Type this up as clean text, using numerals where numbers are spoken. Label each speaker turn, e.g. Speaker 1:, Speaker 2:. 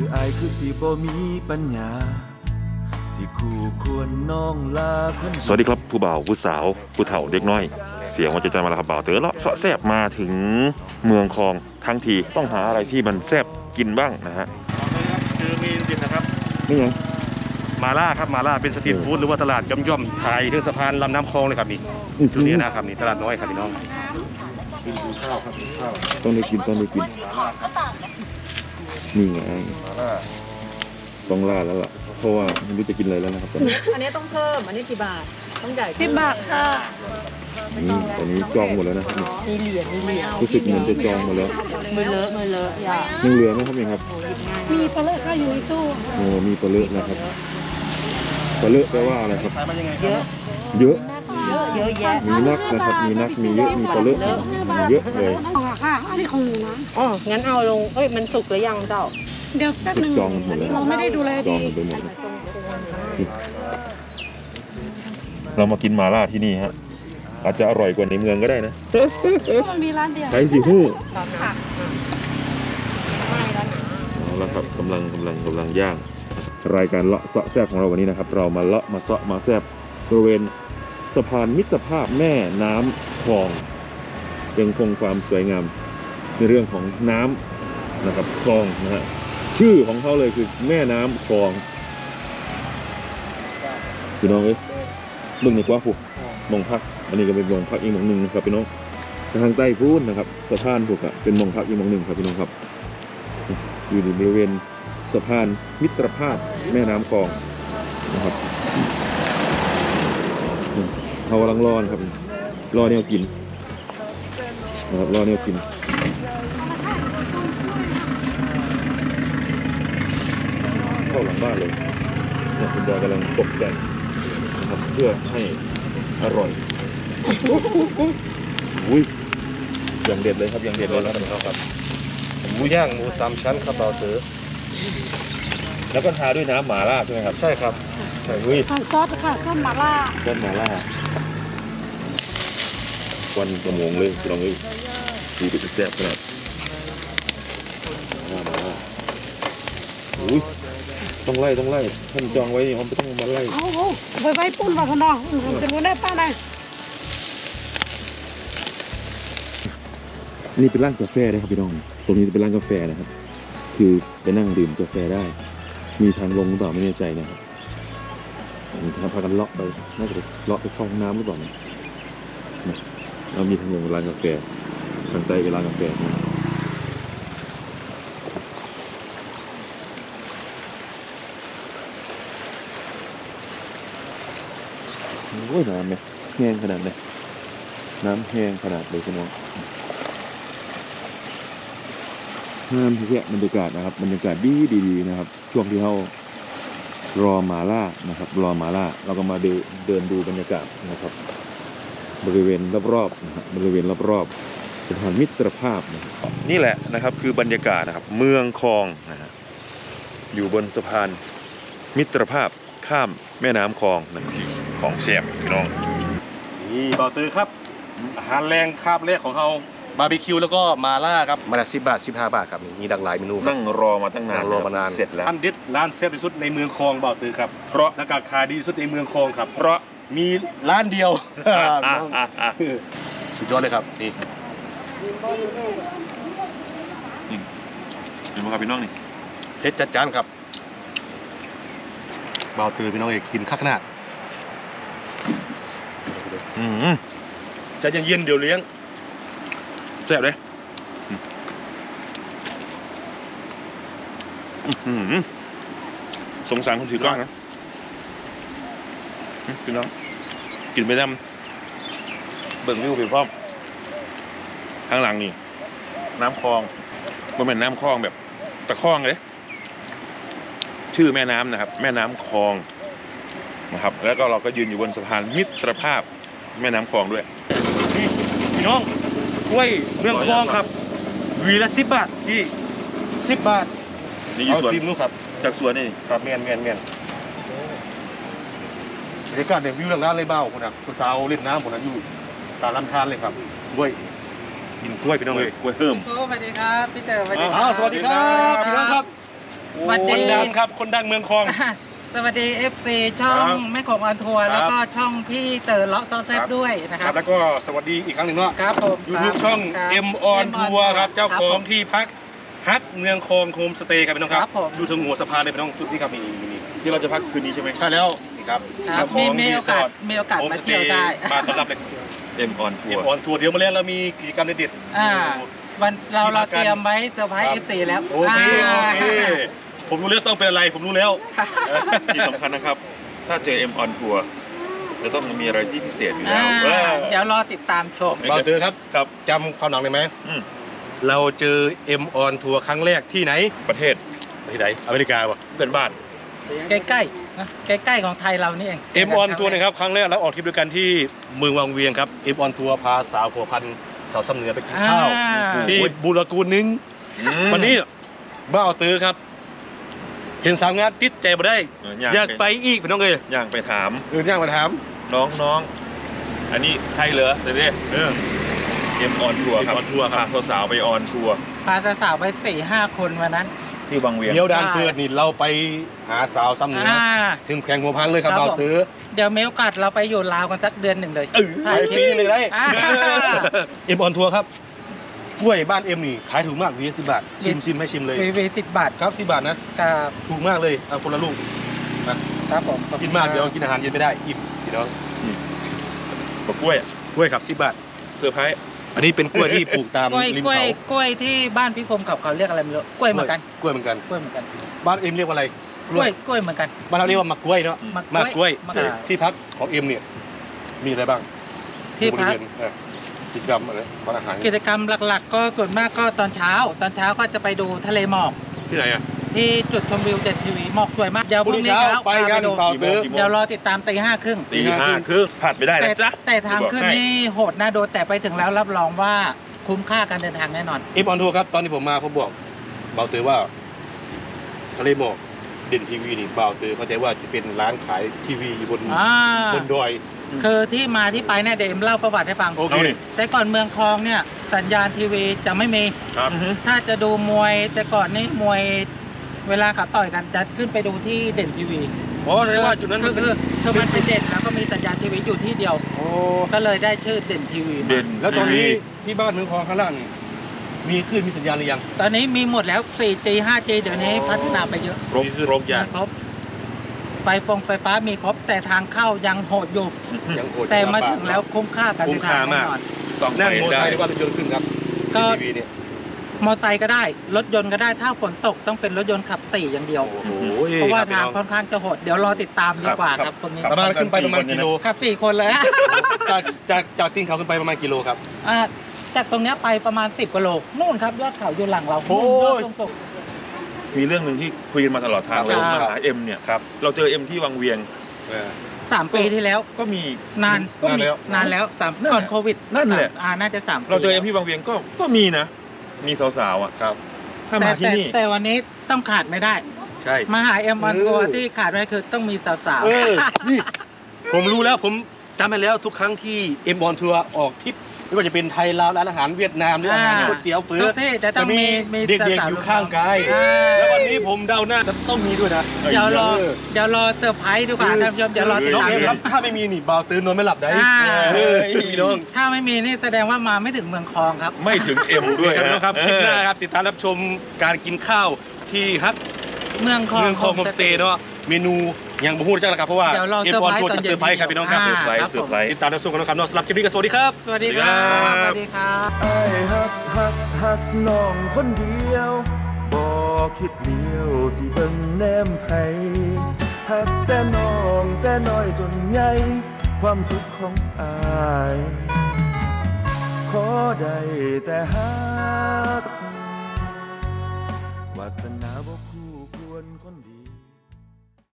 Speaker 1: อายคือสิบ่มีปัญญาสิคู่ควรน้องลาคน
Speaker 2: สวัสดีครับผู้บ่าวผู้สาวผู้เฒ่าเด็กน้อยเสียงว่าจะมาแล้วครับบ่าวเต๋อเลาะเสาะแซบมาถึงเมืองคลองทั้งทีต้องหาอะไรที่มันแซบกินบ้างนะฮะ
Speaker 3: คือมีดิบนะครับ
Speaker 2: นี่ยัง
Speaker 3: มาล่าครับมาล่าเป็นสตรีทฟู้ดหรือว่าตลาดย่อมๆไทยที่สะพานลำน้ำคลองเลยครับนี่ตรงนี้นะครับนี่ตลาดน้อยครับพี่น้องกินข้าวครับกินข้าว
Speaker 2: ต้องได้กินนี่ไงต้องล่าแล้วล่ะเพราะว่าไม่รู้จะกินอะไรแล้วนะครับตอนนี้
Speaker 4: อันนี้ต้องเพิ่มอันนี้กี่บาทต้องใหญ่
Speaker 5: 10 บาทค่ะ
Speaker 2: นี่ตอนนี้จองหมดแล้วนะครับ
Speaker 4: มีเหรียญ
Speaker 2: รู้สึกเหมือนจะจองหมดแล้ว
Speaker 4: มือเลอะอย่า
Speaker 2: ยังเหลือไหมครับยังครับ
Speaker 5: มีปลาเลอะค่ะอยู่ในตู้
Speaker 2: โอ้มีปลาเลอะนะครับปลาเลอะแปลว่าอะไรครับ
Speaker 4: เยอะ
Speaker 2: เยอะ
Speaker 4: แยะ
Speaker 2: มีนักนะครับมีนักมีเยอะมีปลาเลอะมีเยอะเลย
Speaker 5: ค่ะอันนี้ของหนูนะ
Speaker 4: อ๋องั้นเอาลงมันสุกหรือยังเจ้า
Speaker 5: เดี๋ยวแป๊บนึง
Speaker 2: จองหมดแล้ว
Speaker 5: เราไม่ได้ดูแล
Speaker 2: จองไปหมดเรามากินหม่าล่าที่นี่ฮะอาจจะอร่อยกว่าในเมืองก็ได้นะ
Speaker 5: มีร้านเดียว
Speaker 2: ใช้สิฮู้
Speaker 5: ค่ะ
Speaker 2: เอาละครับกำลังย่างรายการเลาะเสาะแซ่บของเราวันนี้นะครับเรามาเลาะมาเสาะมาแซ่บบริเวณสะพานมิตรภาพแม่น้ำคลองยังคงความสวยงามในเรื่องของน้ำนะครับคลองนะฮะชื่อของเขาเลยคือแม่น้ำคลองพี่น้องเอ้ยมึงในกว่าผูกมองพักอันนี้ก็เป็นมองพักอีกมองหนึ่งนะครับพี่น้องทางใต้พูนนะครับสะพานผูกเป็นมองพักอีกมองหนึ่งครับพี่น้องครับอยู่ในบริเวณสะพานมิตรภาพแม่น้ำคลองนะครับเขากำลังรอนะครับรอแนวกินนะครับรอแนวกินเข้าหลังบ้านเลยคุณยายกำลังตกแต่งนะครับเพื่อให้อร่อยอุ้ยอย่างเด็ดเลยครับอย่างเด็ดเลยครับ
Speaker 3: หมูย่างหมู3 ชั้นครับเราซื้อ
Speaker 2: แล้วก็ทาด้วยน้ำหม่าล่าใช่ไหมครับ
Speaker 3: ใช่ครับ
Speaker 2: ใช่อุ้ย
Speaker 5: ซอสค่ะซอสหม่าล่า
Speaker 2: วันกระมงเลยลองเลยดูดิแซ่บขนาดมาอุ้ยต้องไล่ท่านจองไว้เขาไม่ต้องมาไล่
Speaker 5: ไว้ปุ่นมาคนนอกจะรู้ได้ป้าไหน
Speaker 2: นี่เป็นร้านกาแฟนะครับพี่น้องตรงนี้เป็นร้านกาแฟนะครับคือไปนั่งดื่มกาแฟได้มีทางลงหรือเปล่าไม่แน่ใจนะครับทางพากันเลาะไปน่าจะเลาะไปเข้าห้องน้ำหรือเปล่านะเรามีทางลงร้านกาแฟทางใต้เป็นร้านกาแฟนะโอ้ยน้ำเนี่ยแห้งขนาดเลยน้ำแห้งขนาดเลยพี่น้องงามที่แค่บรรยากาศนะครับบรรยากาศดีนะครับช่วงที่เขารอหม่าล่านะครับรอหม่าล่าเราก็มาเดินดูบรรยากาศนะครับบริเวณรอบๆนะครับบริเวณรอบๆสะพานมิตรภาพนี่แหละนะครับคือบรรยากาศนะครับเมืองคลองนะฮะอยู่บนสะพานมิตรภาพข้ามแม่น้ำคลองนะของแซ่บพี่น้อง
Speaker 3: นี่บ่าวเตอครับอาหารแรงคาบแรกของเราบาร์บีคิวแล้วก็มาล่าครับมาละ10 บาท 15 บาทครับมีดังหลายเมนู
Speaker 2: นั่งรอมาตั้งนาน
Speaker 3: รอมานาน
Speaker 2: เสร็จแล้ว
Speaker 3: ร้านเด็ดร้านแซ่บที่สุดในเมืองคลองบ่าวเตอครับ
Speaker 2: เพราะ
Speaker 3: และราคาดีที่สุดในเมืองคลองครับ
Speaker 2: เพราะ
Speaker 3: มีร้านเดียวสุดยอดเลยครับนี่
Speaker 2: เห็นไหมครับพี่น้องนี่
Speaker 3: เพชรจัดจานครับบ่าวเตอพี่น้องเอกกินข้าวหน้าจะเย็นเดี๋ยวเลี้ยง
Speaker 2: แซ่บเลยสงสารคนถือกล้องนะพี่น้องกินไปน้ำเบิ่งวิวผิวพร้อมข้างหลังนี่น้ำคลองมันเป็นน้ำคลองแบบตะคลองเลยชื่อแม่น้ำนะครับแม่น้ำคลองนะครับแล้วก็เราก็ยืนอยู่บนสะพานมิตรภาพแม่น้ำคลองด้วย
Speaker 3: นี่พี่น้องกล้วยเมืองคลองครับวีละ10 บาทพี่10 บาท
Speaker 2: นี่อยู่สวน
Speaker 3: นู้นครับ
Speaker 2: จากสวนนี่
Speaker 3: ครับเมียนบรรยากาศเนี่ยวิวร้านเลยเบ้าคนน่ะคุณสาวเล่นน้ำคนนั้นอยู่ตาลำธารเลยครับกล้วยกินกล้วยพี่น้องเลย
Speaker 2: กล้วยเพิ่ม
Speaker 4: สวัสดีครับพี่เต๋อสวัสดี
Speaker 3: ครับสวัสดีครับพี่น้องครับ
Speaker 5: สวัส
Speaker 3: ค
Speaker 5: ดี
Speaker 3: นดังครับคนดังเมืองคลอง
Speaker 5: สวัสดี FC ช่อง
Speaker 3: ครับ
Speaker 5: แม่ของออนทัวร์
Speaker 3: ครับ
Speaker 5: แล้วก็ช่องพี่เต๋อเลาะซอแซบด้วยนะค
Speaker 3: ค
Speaker 5: รั
Speaker 3: รั
Speaker 5: บบ
Speaker 3: แล้วก็สวัสดีอีกครั้งหนึ่งเนาะ
Speaker 5: ครับผม
Speaker 3: ยูทูบช่อง
Speaker 5: ครับ
Speaker 3: M on
Speaker 5: M on
Speaker 3: Tour ครับ เจ้า
Speaker 5: ครับ
Speaker 3: ขอ
Speaker 5: ผ
Speaker 3: ง
Speaker 5: ม
Speaker 3: ที่พักฮักเมืองคลองโฮมสเตย์ครับพี่น้องค
Speaker 5: ครั
Speaker 3: รับบ
Speaker 5: ผม
Speaker 3: อยู่ถึงหัวสะพานเลยพี่น้องจุดนี้ครับนี่
Speaker 2: ที่เราจะพักคืนนี้ใช่ไหม
Speaker 3: ใช่แล้วนี่ครับ
Speaker 5: ครับ
Speaker 3: เจ้าของ
Speaker 5: มีโอกาส
Speaker 3: รีสร์ท
Speaker 5: มีโอกาส
Speaker 3: โฮม
Speaker 5: มา
Speaker 3: สเต
Speaker 5: เที่ยว
Speaker 3: ย์
Speaker 5: ได้
Speaker 3: มาต้อนรับเลย
Speaker 2: M on Tour
Speaker 3: M on Tour เดี๋ยวมาเล่นเรามีกิจกรรมเด็ดๆ
Speaker 5: อ่า
Speaker 3: อยู่
Speaker 5: วันเรา
Speaker 3: ที่พักกัน
Speaker 5: เตรียมไว้เซอร์ไพรส์ FC แล้ว
Speaker 3: โอเคโอเคผมรู้แล้วต้องเป็นอะไรผมรู้แล้ว
Speaker 2: ที่สำคัญนะครับ ถ้าเจอ M on Tour จะต้องมีอะไรที่พิเศษอยู่แล้ว
Speaker 5: เดี๋ยวรอติดตามชม
Speaker 3: บ่าวเตอครับ
Speaker 2: ครับ
Speaker 3: จำความหลังได้ไหม
Speaker 2: อืม
Speaker 3: เราเจอ M on Tour ครั้งแรกที่ไหน
Speaker 2: ประเทศ
Speaker 3: ที่ไหนอเมริกาป่ะ
Speaker 2: เพื่อนบ้าน
Speaker 5: ใกล้ๆนะใกล้ๆของไทยเรานี่เอง
Speaker 3: M on Tour นะครับครั้งแรกเราออกทริปด้วยกันที่เมืองวังเวียงครับ M on Tour พาสาวผัวพันสาวซ้ำเหนือไปกินข้าว ที่บุรกูลนึง วันนี้บ้าวเตอครับ เห็นสาวงานติดใจมาได้ อยากไปอีกพี่น้องเอ้ย
Speaker 2: อยากไปถาม
Speaker 3: อยากมาถาม
Speaker 2: น้องอันนี้ใครเหรอเดี๋ยวดิ M on Tour ครับ
Speaker 3: M on Tour ครับ
Speaker 2: พาสาวๆไปออนทัวร์
Speaker 5: พาสาวๆไป 4-5 คนวันนั้น
Speaker 2: ที่บางเวียง
Speaker 3: เดี๋ยวดานเกิดนี่เราไปหาสาวซ้ำเหนือ
Speaker 5: อ่า
Speaker 3: ถึงแข่งหัวพันเลยครับ
Speaker 5: ครับ
Speaker 3: บ้าว
Speaker 5: ผม
Speaker 3: เตอ
Speaker 5: เดี๋ยวมีโอกาสเราไปอยู่ลาวกันสักเดือนหนึ่งเลย
Speaker 3: ไปปีนี้เลยได้
Speaker 5: อ่า
Speaker 3: M on Tour ครับกล้วยบ้านเอ็มนี่ขายถูกมากวี10 บาทชิมให้ชิมเลย
Speaker 5: วี10 บาท
Speaker 3: ครับ10 บาทนะ
Speaker 5: กับ
Speaker 3: ถูกมากเลยเอาคนละลูก
Speaker 5: ครับผม
Speaker 3: กินมากเดี๋ยวกินอาหารเย็นไม่ได้อิ่มพี่น้อง
Speaker 2: บักกล้วย
Speaker 3: กล้วยครับ10 บาท
Speaker 2: เซอร์ไพรส์
Speaker 3: อันนี้เป็นกล้วยที่ปลูกตาม
Speaker 5: กล้วย
Speaker 3: ริม
Speaker 5: กล้วย
Speaker 3: เขา
Speaker 5: กล้วยที่บ้านพี่คมเขาเรียกอะไรไม่รู้กล้วยเหมือนกัน
Speaker 3: กล้วยเหมือนกัน
Speaker 5: กล้วยเหมือนกัน
Speaker 3: บ้านเอ็มเรียกว่าอะไร
Speaker 5: กล้วยเหมือนกัน
Speaker 3: บ้านเราเรียกว่ามักกล้วยเนาะ
Speaker 5: มักกล้วย
Speaker 3: มักกล้วย
Speaker 5: มักกล้วย
Speaker 3: ที่พักของเอ็มเนี่ยมีอะไรบ้าง
Speaker 5: ที่พัก
Speaker 3: บริเวณกิจกรรมอะไรบ้านอาหาร
Speaker 5: กิจกรรมหลักๆ ก็ส่วนมากก็ตอนเช้าก็จะไปดูทะเลหมอก
Speaker 3: ที่ไหนอ่ะ
Speaker 5: ที่จุดชมวิวเด็ดทีวีหมอกสวยมากเดี๋ยวพ
Speaker 3: พรุ่
Speaker 5: รุ่
Speaker 3: ง
Speaker 5: ง
Speaker 3: นี้
Speaker 5: นี้
Speaker 3: เช้า
Speaker 5: เช้า
Speaker 3: ไปกัน
Speaker 5: ดู
Speaker 3: เปล่าซื้อ
Speaker 5: เดี๋ยวรอติดตามตี 5:30
Speaker 2: ตีห้าครึ่งพลาดไม่ได้
Speaker 5: แต่
Speaker 2: นะจ๊ะ
Speaker 5: แต่ทางขึ้นนี่โหดนะโดนแต่ไปถึงแล้วรับรองว่าคุ้มค่าการเดินทางแน่นอน
Speaker 3: เอ็มออนทัวร์ครับตอนที่ผมมาผมบอกเบาเตอว่าทะเลหมอกเด่นทีวีนี่เบาเตอเข้าใจว่าจะเป็นร้านขายทีวีอยู่บนดอย
Speaker 5: คือที่มาที่ไปเนี่ยเดี๋ยวเอ็มเล่าประวัติให้ฟัง
Speaker 3: โอเค
Speaker 5: แต่ก่อนเมืองคลองเนี่ยสัญญาณทีวีจะไม่มี
Speaker 3: ครับ
Speaker 5: ถ้าจะดูมวยแต่ก่อนนี่มวยเวลาเขาต่อยกันจะขึ้นไปดูที่เด่นทีวี
Speaker 3: อ๋อแสดงว่าจุดนั้น
Speaker 5: คือมันเป็นเด่นแล้วก็มีสัญญาณทีวีอยู่ที่เดียว
Speaker 3: โอ้
Speaker 5: ก็เลยได้ชื่อเด่นทีวีมา
Speaker 2: เด่น
Speaker 3: แล้วตอนนี้ที่บ้านเมืองคลองข้างล่างนี่มีคลื่นมีสัญญาณหรือยัง
Speaker 5: ตอนนี้มีหมดแล้ว 4G 5G เดี๋ยวนี้พัฒนาไปเยอะ
Speaker 2: ครบอย่าง
Speaker 5: ครบไฟฟ้ามีครบแต่ทางเข้ายังโหดอยู่
Speaker 3: ยังโหด
Speaker 5: แต่มาถึงแล้วคุ้มค่าการ
Speaker 3: คุ้
Speaker 5: เดิ
Speaker 3: ม
Speaker 5: นทา
Speaker 3: ค่าง
Speaker 5: แน่
Speaker 3: มาก
Speaker 5: นอน
Speaker 2: ต้อง
Speaker 3: นั่ง
Speaker 2: ไป
Speaker 3: มอเตอร์
Speaker 2: ได้
Speaker 3: ไซค์ดีกว่าเป็นยนต์ขึ้นครับ
Speaker 5: ก็
Speaker 3: ทีวีเนี่ย
Speaker 5: มอไซค์ก็ได้ รถยนต์ก็ได้ถ้าฝนตกต้องเป็นรถยนต์ขับ 4 อย่างเดียว
Speaker 3: โอ้โห
Speaker 5: เพราะว่า
Speaker 3: ค
Speaker 5: ทาง
Speaker 3: บ
Speaker 5: ค่อนข้างจะโหด เดี๋ยวรอติดตามดีกว่าครับคนนี้
Speaker 3: ประมาณขึ้นไปประมาณกิโล
Speaker 5: ขับ 4 คนเลย
Speaker 3: จากตีนเขาขึ้นไปประมาณกิโลครับ
Speaker 5: อ่าจากตรงเนี้ยไปประมาณ 10กิโลนู่นครับยอดเขาอยู่หลังเรา
Speaker 3: โอ้ย
Speaker 5: นู่นยอดสูง
Speaker 2: มีเรื่องหนึ่งที่คุยกันมาตลอดทางเลย
Speaker 5: ครับ
Speaker 2: มาหาเอ็มเนี่ยครับเราเจอเอ็มที่วังเวียง
Speaker 5: ๆ3 ปีที่แล้ว
Speaker 2: ก็มี
Speaker 5: นาน
Speaker 3: นานแล้ว
Speaker 5: นานแล้ว
Speaker 2: นั่นแหละ
Speaker 5: ก่อนโควิด
Speaker 2: นั่นแหละ
Speaker 5: น่าจะ3 ปี
Speaker 2: เราเจอเอ็มที่วังเวียงก็มีนะ มีสาวๆอ่ะ
Speaker 3: ครับ
Speaker 2: ถ้ามาที่นี่
Speaker 5: แต่วันนี้ต้องขาดไม่ได้
Speaker 3: ใช่
Speaker 5: มาหาเอ็มวันตัวที่ขาดไม่ได้คือต้องมีสาว
Speaker 3: เออ นี่ ผมรู้แล้วผมจำไปแล้วทุกครั้งที่เอ็มบอลทัวร์ออกทริปไม่ว่าจะเป็นไทยลาวร้านอาหารเวียดนามหรืออาหารก๋วยเตี๋ยวเฟื้
Speaker 5: ทุ
Speaker 3: อก
Speaker 5: ที่จะต้องมี
Speaker 3: เด็กๆอยู่ข้างกาย แล้ววันนี้ผมเดาหน้าจะต้องมีด้วยนะ
Speaker 5: เดี๋ยวรอเซอร์ไพรส์ดีกว่าท่านผู้ชมเดี๋ยวรอติด
Speaker 3: น้อง
Speaker 5: ตาม
Speaker 3: เอ็มครับถ้าไม่มีนี่เบาตื่นนอนไม่หลับได้
Speaker 5: อ่า
Speaker 3: เออพี่น้อง
Speaker 5: ถ้าไม่มีนี่แสดงว่ามาไม่ถึงเมืองคลองครับ
Speaker 2: ไม่ถึงเอ็มด้วย
Speaker 3: ครับ
Speaker 2: นะ
Speaker 3: น้องครับคลิปหน้าครับติดตามรับชมการกินข้าวที่ฮัก
Speaker 5: เมืองคลอง
Speaker 3: เมืองคลองโฮมสเตย์เนาะเมนูยังบ่ฮู้จักแล้วครับเพราะว่า
Speaker 5: เดี๋ยวรอ
Speaker 3: เอ็ม
Speaker 5: เซอร์
Speaker 3: บอล
Speaker 5: ไพรส์
Speaker 3: ทัวร์
Speaker 5: ตอน
Speaker 3: จะ
Speaker 5: เย็น
Speaker 3: เซอร์ไพรส์ครับพี่น้องครับ
Speaker 5: อ่า
Speaker 2: เซอร์ไพรส์
Speaker 5: ครับ
Speaker 2: เซอร์ไพรส์
Speaker 3: ติดตามรับชมกันนะครับเนาะสำหรับคลิปนี้ก็สวัสดีครับ
Speaker 5: สวัสดีครับ
Speaker 2: ครับ
Speaker 5: สวัสดีครับ
Speaker 1: ไอ้ฮักน้องคนเดียวบ่คิดเลี้ยวสิเบิ่งแนมไผฮักแต่น้องแต่น้อยจนใหญ่ความสุขของอายขอได้แต่ฮักวาสนา